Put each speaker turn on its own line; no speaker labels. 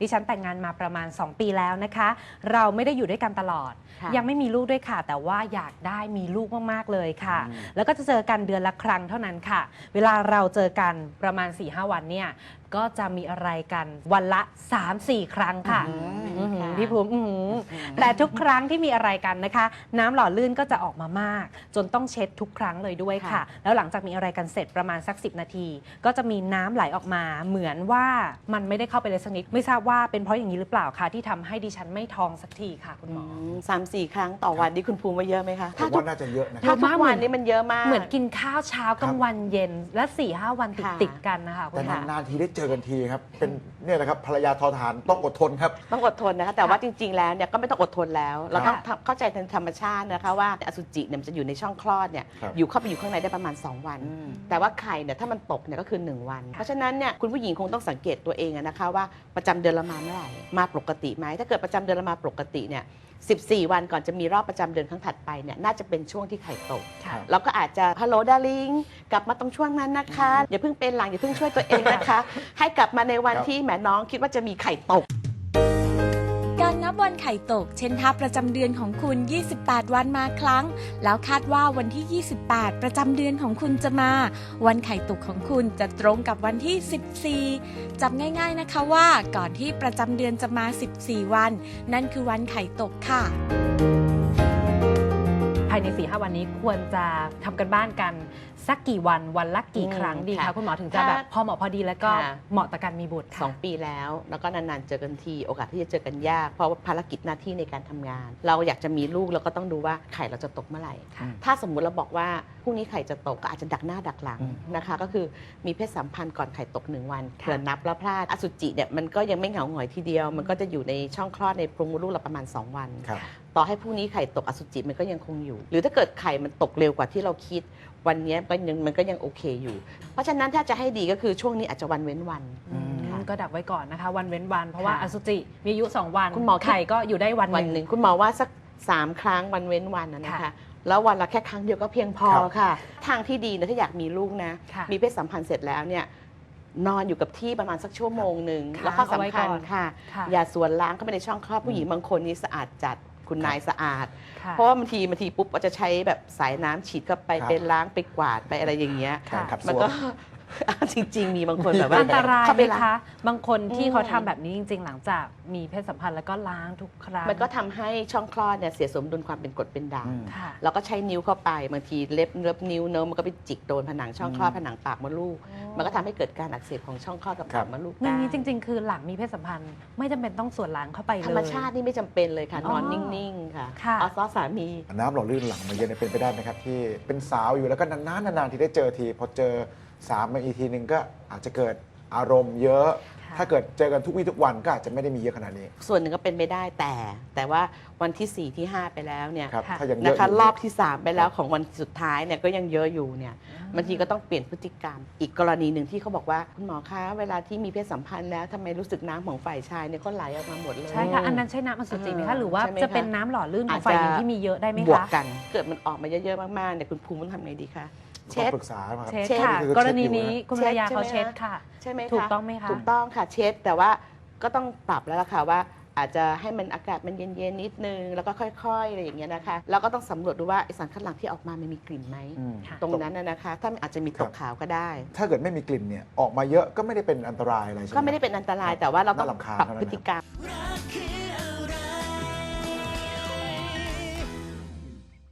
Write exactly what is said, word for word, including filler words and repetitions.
ดิฉันแต่งงานมาประมาณสองปีแล้วนะคะเราไม่ได้อยู่ด้วยกันตลอดยังไม่มีลูกด้วยค่ะแต่ว่าอยากได้มีลูกมากๆเลยค่ะแล้วก็จะเจอกันเดือนละครั้งเท่านั้นค่ะเวลาเราเจอกันประมาณ สี่ห้า วันเนี่ยก็จะมีอะไรกันวันละ สามสี่ ครั้งค่ะพี่ภูมิแต่ทุกครั้งที่มีอะไรกันนะคะน้ำหล่อลื่นก็จะออกมามากจนต้องเช็ดทุกครั้งเลยด้วยค่ะแล้วหลังจากมีอะไรกันเสร็จประมาณสักสิบนาทีก็จะมีน้ำไหลออกมาเหมือนว่ามันไม่ได้เข้าไปเลยสักนิดไม่ทราบว่าเป็นเพราะอย่างนี้หรือเปล่าคะที่ทำให้ดิฉันไม่ท้องสักทีค่ะคุณหมอ
สามสี่ ครั้งต่อวันนี่คุณภูมิว่าเยอะไหมคะ
ผมว่าน่าจะเยอะนะ
ถ้าทุกวันนี้มันเยอะมาก
เหมือนกินข้าวเช้ากลางวันเย็นและ สี่ห้า วันติดติดกันนะคะ
แต่นานๆทีได้เจอกันทีครับเป็นเนี่ยนะครับภรรยาทอทหารต้องอดทนครับ
ต้องอดทนนะคะแต่ว่าจริงๆแล้วเนี่ยก็ไม่ต้องอดทนแล้วเราต้องเข้าใจในธรรมชาตินะคะว่าอสุจิเนี่ยมันจะอยู่ในช่องคลอดเนี่ยอยู่เข้าไปอยู่ข้างในได้ประมาณสองวันแต่ว่าไข่เนี่ยถ้ามันตกเนี่ยก็คือหนึ่งวันเพราะฉะนั้นเนี่ยคุณผู้หญิงคงต้องสังเกตตัวเองนะคะว่าประจำเดือนเรามาเมื่อไหร่มาปกติไหมถ้าเกิดประจำเดือนเรามาปกติเนี่ยสิบสี่ วันก่อนจะมีรอบประจำเดือนครั้งถัดไปเนี่ยน่าจะเป็นช่วงที่ไข่ตกเราก็อาจจะฮัลโหลดาริงกลับมาตรงช่วงนั้นนะคะอย่าเพิ่งเป็นหลังอย่าเพิ่งช่วยตัวเองนะคะให้กลับมาในวันที่แหมน้องคิดว่าจะมีไข่ตก
การนับวันไข่ตกเช่นถ้าประจำเดือนของคุณยี่สิบแปดวันมาครั้งแล้วคาดว่าวันที่ยี่สิบแปดประจำเดือนของคุณจะมาวันไข่ตกของคุณจะตรงกับวันที่สิบสี่จำง่ายๆนะคะว่าก่อนที่ประจำเดือนจะมาสิบสี่วันนั่นคือวันไข่ตกค่ะ
ภายใน สี่ห้า วันนี้ควรจะทำกันบ้านกันสักกี่วันวันละกี่ครั้งดีคะคุณหมอถึงจะแบบพอเหมาะพอดีแล้วก็เหมาะต่อการมีบุตร
สองปีแล้วแล้วก็นานๆเจอกันทีโอกาสที่จะเจอกันยากเพราะว่าภารกิจหน้าที่ในการทำงาน เราอยากจะมีลูกเราก็ต้องดูว่าไข่เราจะตกเมื่อไหร่ถ้าสมมุติเราบอกว่าพรุ่งนี้ไข่จะตกก็อาจจะดักหน้าดักหลังนะคะก็คือมีเพศสัมพันธ์ก่อนไข่ตกหนึ่งวันเผื่อนับแล้วพลาดอสุจิเนี่ยมันก็ยังไม่เหงาหงอยทีเดียวมันก็จะอยู่ในช่องคลอดในโพรงมดลูกเราประมาณสองวันต่อให้พรุ่งนี้ไข่ตกอสุจิมันก็ยังคงอยู่หรือถ้าเกิดไข่มันตกเร็วกว่าที่เราคิดวันนี้ก็ยังมันก็ยังโอเคอยู่เพราะฉะนั้นถ้าจะให้ดีก็คือช่วงนี้อาจจะวันเว้นวัน
ก็ดักไว้ก่อนนะคะวันเว้นวันเพราะว่าอสุจิมีอายุสองวันคุณหมอไข่ก็อยู่ได้วัน
หนึ่งคุณหมอว่าสักสามครั้งวันเว้นวันนะคะแล้ววันละแค่ครั้งเดียวก็เพียงพอค่ะทางที่ดีนะถ้าอยากมีลูกนะมีเพศสัมพันธ์เสร็จแล้วเนี่ยนอนอยู่กับที่ประมาณสักชั่วโมงหนึ่งแล้วก็สำคัญค่ะอย่าสวนล้างเข้าไปในช่องคลอดผู้หญิงบางคนนี่สะอาดจัดคุณนายสะอาดเพราะว่าบางทีบางทีปุ๊บก็จะใช้แบบสายน้ำฉีดเข้าไปเป็นล้างไปกวาดไปอะไรอย่างเงี้ยมันก็จริงๆมีบางคนแบบว่า
อันตรายไหมคะบางคนที่เขาทำแบบนี้จริงๆหลังจากมีเพศสัมพันธ์แล้วก็ล้างทุกครั้ง
มันก็ทำให้ช่องคลอดเนี่ยเสียสมดุลความเป็นกรดเป็นด่างแล้วก็ใช้นิ้วเข้าไปบางทีเล็บเล็บนิ้วเนื้อมันก็ไปจิกโดนผนังช่องคลอดผนังปากมดลูกมันก็ทำให้เกิดการอักเสบของช่องคลอดกับปากมดลูก
อย่างนี้จริงๆคือหลังมีเพศสัมพันธ์ไม่จำเป็นต้องส่วนล้างเข้าไปเลย
ธรรมชาตินี่ไม่จำเป็นเลยค่ะนอนนิ่งๆค่ะเอาซอสามี
น้ำหล่อลื่นหลังมาเยอะเป็นไปได้ไหมครับที่เป็นสาวอยู่แล้วก็นานๆนานๆที่ได้เจอทีพอเจอสามมาอีกทีหนึ่งก็อาจจะเกิดอารมณ์เยอะถ้าเกิดเจอกันทุกวี่ทุกวันก็อาจจะไม่ได้มีเยอะขนาดนี้
ส่วนหนึ่งก็เป็นไปได้แต่แต่ว่าวันที่สี่ที่ห้าไปแล้วเนี่ย
นะ
คะรอบที่สามไปแล้วของวันสุดท้ายเนี่ยก็ยังเยอะอยู่เนี่ยบางทีก็ต้องเปลี่ยนพฤติกรรมอีกกรณีหนึ่งที่เขาบอกว่าคุณหมอคะเวลาที่มีเพศสัมพันธ์แล้วทำไมรู้สึกน้ำของฝ่ายชายเนี่ยก็ไหลออกมาหมดเลย
ใช่ค่ะอันนั้นใช่น้ำอสุจิไหมคะหรือว่าจะเป็นน้ำหล่อลื่นของฝ่ายหญิงที่มีเยอะได้ไหมคะ
บวกกันเกิดมันออกมาเยอะๆมากๆเนี่ยคุณภูมิต้องทำไงดีคะ
เช็ดปรึกษา
เช็ดค่ะกรณีนี้คุณภรรยาเขาเช็ดค่ะ
ใช่ไหมคะ
ถูกต้องไหมคะ
ถูกต้องค่ะเช็ดแต่ว่าก็ต้องปรับแล้วล่ะค่ะว่าอาจจะให้มันอากาศมันเย็นๆนิดนึงแล้วก็ค่อยๆอะไรอย่างเงี้ยนะคะแล้วก็ต้องสำรวจดูว่าไอสารคัดหลั่งที่ออกมามันมีกลิ่นไหมตรงนั้นนะคะถ้ามันอาจจะมีตกขาวก็ได้
ถ้าเกิดไม่มีกลิ่นเนี่ยออกมาเยอะก็ไม่ได้เป็นอันตรายอะไรใช่ไหม
ก็ไม่ได้เป็นอันตรายแต่ว่าเราต้องปรับพฤติกรรม